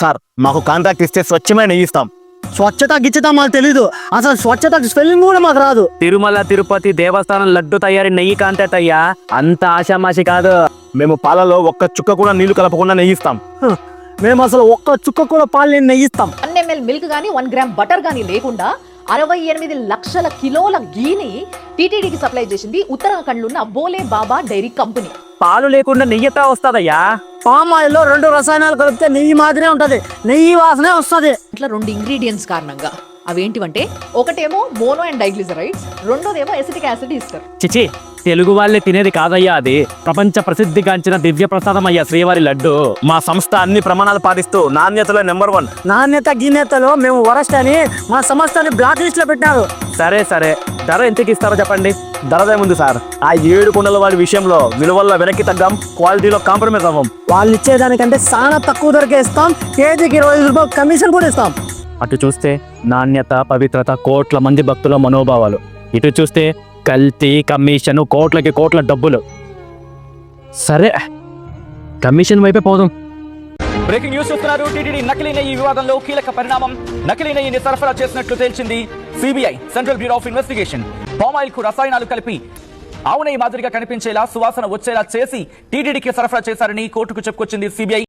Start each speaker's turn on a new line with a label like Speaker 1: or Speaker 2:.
Speaker 1: Sir మాకు contract ఇస్తే స్వచ్ఛమైన నెయ్యి ఇస్తాం.
Speaker 2: స్వచ్ఛత గిచ్చత మాకు తెలీదు, అసలు స్వచ్ఛత స్పెల్లింగ్ కూడా మాకు రాదు.
Speaker 3: తిరుమల తిరుపతి దేవస్థానం లడ్డు తయారీ నెయ్యి కాంట్రాక్ట్ అయ్యా, అంత ఆషామాషి కాదు.
Speaker 1: మేము పాలలో ఒక్క చుక్క కూడా నీళ్లు కలపకుండా నెయ్యి ఇస్తాం.
Speaker 2: మేము అసలు ఒక్క చుక్క కూడా పాలు నెయ్యి ఇస్తాం.
Speaker 4: 1 ml మిల్క్ గానీ 1 గ్రామ్ బటర్ గానీ లేకుండా 68 లక్షల కిలోల ఘీని టీటీడీకి సప్లై చేసింది ఉత్తరాఖండ్ ఉన్న బోలే బాబా డైరీ కంపెనీ.
Speaker 3: పాలు లేకుండా నెయ్యి ఎట్లా వస్తుందయ్యా?
Speaker 2: పామ్ ఆయిల్ లో 2 రసాయనాలు కలిపితే నెయ్యి మాదిరే ఉంటది, నెయ్యి వాసనే వస్తుంది.
Speaker 4: ఇట్లా 2 ఇంగ్రీడియంట్స్ కారణంగా అవేంటివంటే, ఒకటేమో మోనో అండ్ డైగ్లిజరైడ్స్, రెండోదేమో ఎసిటిక్ యాసిడ్ ఇస్తారు.
Speaker 3: చిచి, తెలుగు వాళ్ళే తినేది కాదయ్యా, అది ప్రపంచ ప్రసిద్ధిగాంచిన దివ్య ప్రసాదం అయ్యా శ్రీవారి లడ్డు.
Speaker 1: మా సంస్థ అన్ని ప్రమాణాలు పాటిస్తూ నాణ్యతలో నెంబర్ 1.
Speaker 2: నాణ్యత గిన్నెతలో మేము వరస్ట్ అని మా సంస్థని బ్లాక్ లిస్ట్ లో పెట్టారు.
Speaker 3: సరే సరే, ధర ఎంతకి ఇస్తారో చెప్పండి.
Speaker 1: ధరదే ఉంది సార్. ఆ 7 కుండల వాడి విషయంలో విలువల్లో వెనక్కి తగ్గాం, క్వాలిటీలో కాంప్రమైజ్ అవ్వం.
Speaker 2: వాళ్ళు ఇచ్చేదానికంటే చాలా తక్కువ ధరకే ఇస్తాం. కేజీకి 25 రూపాయలు కమిషన్ కూడా ఇస్తాం.
Speaker 3: అటు చూస్తే నాణ్యత, పవిత్రత, కోట్ల మంది భక్తుల మనోభావాలు. ఇటు చూస్తే కల్తీ, కమిషన్, కోట్లకి కోట్ల డబ్బులు. సరే, కమిషన్ వైపే పోదాం.
Speaker 5: బ్రేకింగ్ న్యూస్ చూస్తున్నారు. టీటీడీ నకిలీ నెయ్యి వివాదంలో కీలక పరిణామం. నకిలీ నెయ్యిని సరఫరా చేసినట్లు తేల్చింది CBI, central bureau of investigation. Palm oil కు రసాయనాలు కలిపి ఆవు నెయ్యి మాదిరిగా కనిపించేలా, సువాసన వచ్చేలా చేసి టీటీడీకి సరఫరా చేశారని కోర్టుకు చెప్పుకొచ్చింది సిబిఐ.